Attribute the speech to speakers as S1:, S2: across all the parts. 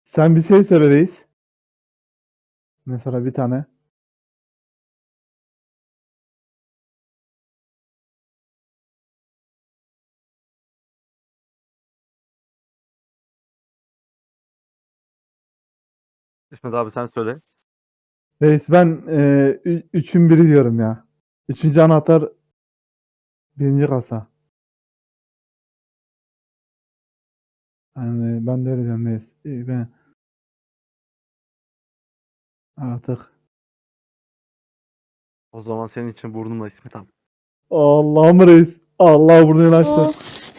S1: Sen bir şey söyle reis. Mesela bir tane.
S2: İsmet abi sen söyle.
S1: Reis ben üçün biri diyorum ya. Üçüncü anahtar birinci kasa. Yani ben de öyle diyorum reis. Ben artık.
S2: O zaman senin için burnumla İsmet abi.
S1: Allah'ım reis. Allah burnunu açtı.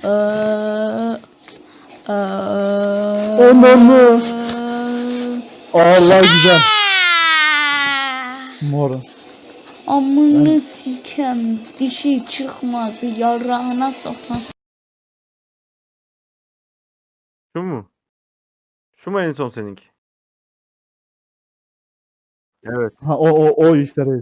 S1: Ondan mı? Allah güzel. Mor.
S3: Amını sikem, dişi çıkmadı, yarağına sokan.
S2: Şu mu? Şu mu en son seninki? Evet.
S1: Ha o işte reis.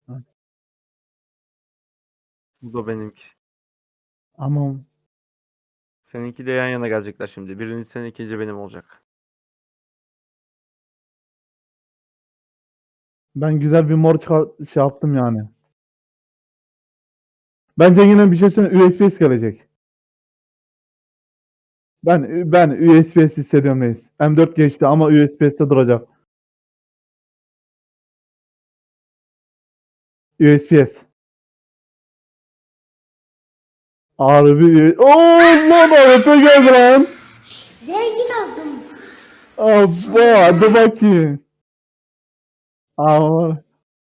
S2: Bu da benimki.
S1: Ama
S2: Seninki de yan yana gelecekler şimdi. Birinci senin, ikinci benim olacak.
S1: ben güzel bir mor şey yaptım yani. Bence yine bir şey söyleyeyim. USB gelecek. Ben USB hissediyorum reis. M4 geçti ama USB'de duracak. USPS. Harbi. Oo lan AWP geldi lan.
S3: Zengin oldum.
S1: Abba hadi bakayım. Aa,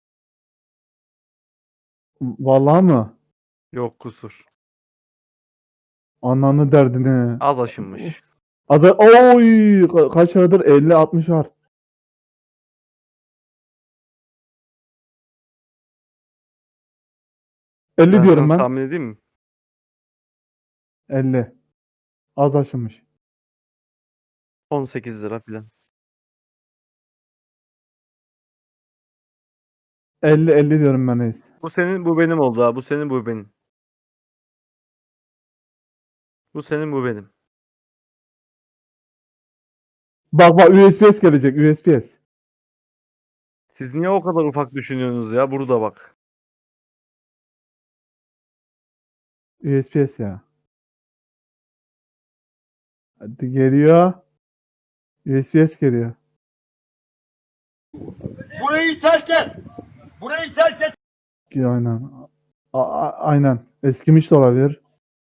S1: vallahi mı?
S2: Yok kusur.
S1: Ananı derdini.
S2: Az aşınmış.
S1: Adı oy kaç aradır 50-60 var. 50
S2: Ben
S1: diyorum
S2: sana
S1: ben.
S2: tahmin edeyim mi?
S1: 50. Az aşınmış.
S2: 18 lira filan.
S1: 50 diyorum ben reis.
S2: Bu senin, bu benim oldu ha. Bu senin, bu benim. Bu senin, bu benim.
S1: Bak USPS gelecek USPS.
S2: Siz niye o kadar ufak düşünüyorsunuz ya? Burada bak.
S1: USPS ya. Hadi geliyor. USPS geliyor.
S4: Burayı terk et. Burayı terk et.
S1: Aynen. Aynen. Eskimiş de olabilir.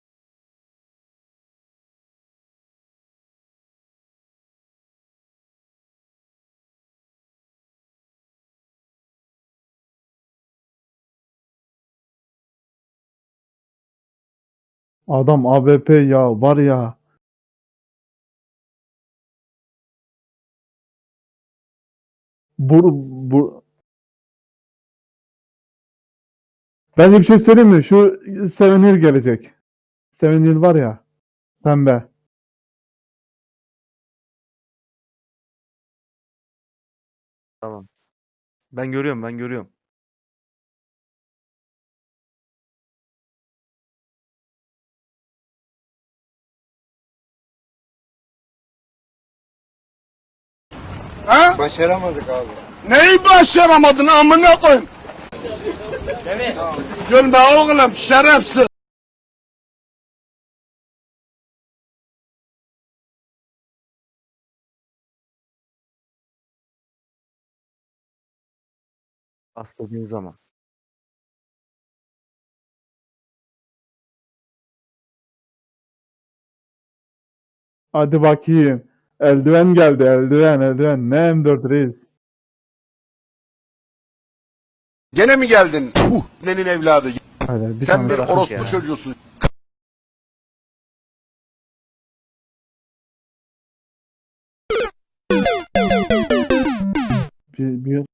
S1: Adam AWP ya var ya. Bu bence bir şey söyleyeyim mi? Şu Sevenir gelecek. Sevenir var ya. Pembe.
S2: Tamam. Ben görüyorum, ben görüyorum.
S4: Ha?
S5: Başaramadık abi.
S4: Neyi başaramadın amına koyayım? Gülme oğlum şerefsiz.
S2: Bastırdığın zaman.
S1: Hadi bakayım. Eldiven geldi. Eldiven. Ne M4 reis.
S4: Gene mi geldin? Nenin evladı.
S1: Hadi bir
S4: Sen
S1: tane
S4: bir
S2: bırak
S4: orospu
S2: ya.
S4: çocuğusun.
S1: bir